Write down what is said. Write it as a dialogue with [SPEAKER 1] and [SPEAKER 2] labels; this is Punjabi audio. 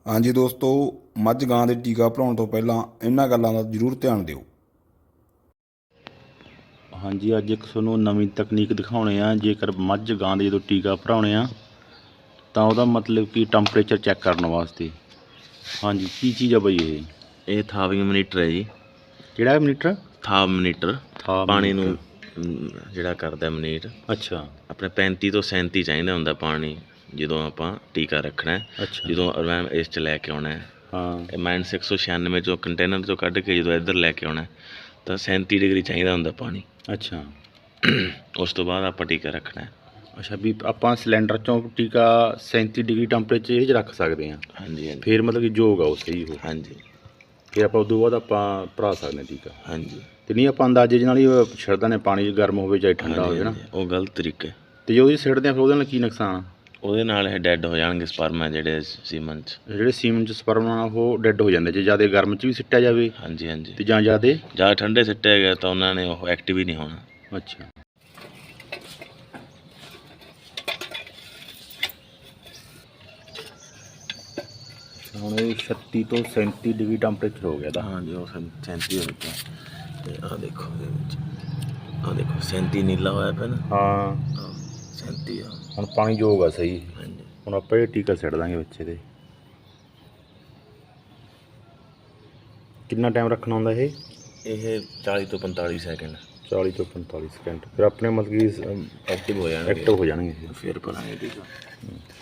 [SPEAKER 1] ਹਾਂਜੀ ਦੋਸਤੋ, ਮੱਝ ਗਾਂ ਦੇ ਟੀਕਾ ਭਰਾਉਣ ਤੋਂ ਪਹਿਲਾਂ ਇਹਨਾਂ ਗੱਲਾਂ ਦਾ ਜ਼ਰੂਰ ਧਿਆਨ ਦਿਓ।
[SPEAKER 2] ਹਾਂਜੀ, ਅੱਜ ਇੱਕ ਤੁਹਾਨੂੰ ਨਵੀਂ ਤਕਨੀਕ ਦਿਖਾਉਣੇ ਆ। ਜੇਕਰ ਮੱਝ ਗਾਂ ਦੇ ਜਦੋਂ ਟੀਕਾ ਭਰਾਉਣੇ ਆ ਤਾਂ ਉਹਦਾ ਮਤਲਬ ਕਿ ਟੈਂਪਰੇਚਰ ਚੈੱਕ ਕਰਨ ਵਾਸਤੇ। ਹਾਂਜੀ, ਕੀ ਚੀਜ਼ ਆ ਬਾਈ
[SPEAKER 3] ਇਹ ਥਾਰਮੋਮੀਟਰ ਹੈ ਜੀ।
[SPEAKER 2] ਕਿਹੜਾ ਮੀਟਰ?
[SPEAKER 3] ਥਾਰਮੋਮੀਟਰ ਪਾਣੀ ਨੂੰ ਜਿਹੜਾ ਕਰਦਾ ਮੀਟਰ।
[SPEAKER 2] ਅੱਛਾ।
[SPEAKER 3] ਆਪਣੇ 35 ਤੋਂ 37 ਚਾਹੀਦਾ ਹੁੰਦਾ ਪਾਣੀ ਜਦੋਂ ਆਪਾਂ ਟੀਕਾ ਰੱਖਣਾ।
[SPEAKER 2] ਅੱਛਾ।
[SPEAKER 3] ਜਦੋਂ ਮੈਮ ਇਸ 'ਚ ਲੈ ਕੇ ਆਉਣਾ
[SPEAKER 2] ਹਾਂ,
[SPEAKER 3] ਇਹ -196 ਚੋਂ ਕੰਟੇਨਰ 'ਚੋਂ ਕੱਢ ਕੇ ਜਦੋਂ ਇੱਧਰ ਲੈ ਕੇ ਆਉਣਾ ਤਾਂ 37 ਡਿਗਰੀ ਚਾਹੀਦਾ ਹੁੰਦਾ ਪਾਣੀ।
[SPEAKER 2] ਅੱਛਾ।
[SPEAKER 3] ਉਸ ਤੋਂ ਬਾਅਦ ਆਪਾਂ ਟੀਕਾ ਰੱਖਣਾ।
[SPEAKER 2] ਅੱਛਾ, ਵੀ ਆਪਾਂ ਸਿਲੰਡਰ 'ਚੋਂ ਟੀਕਾ 37 ਡਿਗਰੀ ਟੈਂਪਰੇਚਰ ਇਹ 'ਚ ਰੱਖ ਸਕਦੇ ਹਾਂ।
[SPEAKER 3] ਹਾਂਜੀ ਹਾਂਜੀ।
[SPEAKER 2] ਫਿਰ ਮਤਲਬ ਕਿ ਯੋਗ ਆ ਉਹ ਸਹੀ ਹੋ।
[SPEAKER 3] ਹਾਂਜੀ।
[SPEAKER 2] ਫਿਰ ਆਪਾਂ ਉਦੋਂ ਬਾਅਦ ਆਪਾਂ ਭਰਾ ਸਕਦੇ ਹਾਂ ਟੀਕਾ।
[SPEAKER 3] ਹਾਂਜੀ।
[SPEAKER 2] ਤੇ ਨਹੀਂ ਆਪਾਂ ਅੰਦਾਜ਼ੇ ਨਾਲ ਹੀ ਛੱਡਦੇ ਨੇ, ਪਾਣੀ ਗਰਮ ਹੋਵੇ ਚਾਹੇ ਠੰਡਾ ਹੋਵੇ ਨਾ।
[SPEAKER 3] ਉਹ ਗਲਤ ਤਰੀਕਾ।
[SPEAKER 2] ਤੇ ਜਦੋਂ ਸਿੱਟਦੇ ਆ ਫਿਰ ਉਹਦੇ ਨਾਲ ਕੀ ਨੁਕਸਾਨ ਆ?
[SPEAKER 3] ਉਹਦੇ ਨਾਲ ਇਹ ਡੈੱਡ ਹੋ ਜਾਣਗੇ ਸਪਰਮ ਜਿਹੜੇ ਸੀਮਨ 'ਚ।
[SPEAKER 2] ਜਿਹੜੇ ਸੀਮਨ 'ਚ ਸਪਰਮ ਆ ਉਹ ਡੈੱਡ ਹੋ ਜਾਂਦੇ ਜੇ ਜ਼ਿਆਦਾ ਗਰਮ 'ਚ ਵੀ ਸਿੱਟਿਆ ਜਾਵੇ।
[SPEAKER 3] ਹਾਂਜੀ ਹਾਂਜੀ।
[SPEAKER 2] ਤੇ ਜਾਂ
[SPEAKER 3] ਜ਼ਿਆਦਾ ਠੰਡੇ ਸਿੱਟਿਆ ਗਿਆ ਤਾਂ ਉਹਨਾਂ ਨੇ ਉਹ ਐਕਟਿਵ ਹੀ ਨਹੀਂ ਹੋਣਾ।
[SPEAKER 2] ਅੱਛਾ। ਹੁਣ ਇਹ 36 ਤੋਂ 37 ਡਿਗਰੀ ਟੈਂਪਰੇਚਰ ਹੋ ਗਿਆ ਦਾ।
[SPEAKER 3] ਹਾਂਜੀ, ਉਹ 37 ਹੋ ਗਿਆ। ਤੇ ਆਹ ਦੇਖੋ ਇਹਦੇ ਵਿੱਚ, ਆਹ ਦੇਖੋ 37 ਨੀਲਾ ਹੋਇਆ ਪਿਆ ਨਾ।
[SPEAKER 2] ਹਾਂ,
[SPEAKER 3] 37 ਆ।
[SPEAKER 2] ਹੁਣ ਪਾਣੀ ਯੋਗ ਆ ਸਹੀ।
[SPEAKER 3] ਹਾਂਜੀ।
[SPEAKER 2] ਹੁਣ ਆਪਾਂ ਇਹ ਟੀਕਾ ਸਿੱਟ ਦਾਂਗੇ ਬੱਚੇ ਦੇ। ਕਿੰਨਾ ਟਾਈਮ ਰੱਖਣਾ ਹੁੰਦਾ ਇਹ?
[SPEAKER 3] ਇਹ 40 ਤੋਂ 45 ਸੈਕਿੰਡ।
[SPEAKER 2] 40 ਤੋਂ 45 ਸੈਕਿੰਡ। ਫਿਰ ਆਪਣੇ ਮਤਲਬ ਕਿ
[SPEAKER 3] ਐਕਟਿਵ ਹੋ ਜਾਣਗੇ।
[SPEAKER 2] ਐਕਟਿਵ ਹੋ ਜਾਣਗੇ।
[SPEAKER 3] ਫਿਰ ਭਰਾਂਗੇ ਟੀਕਾ।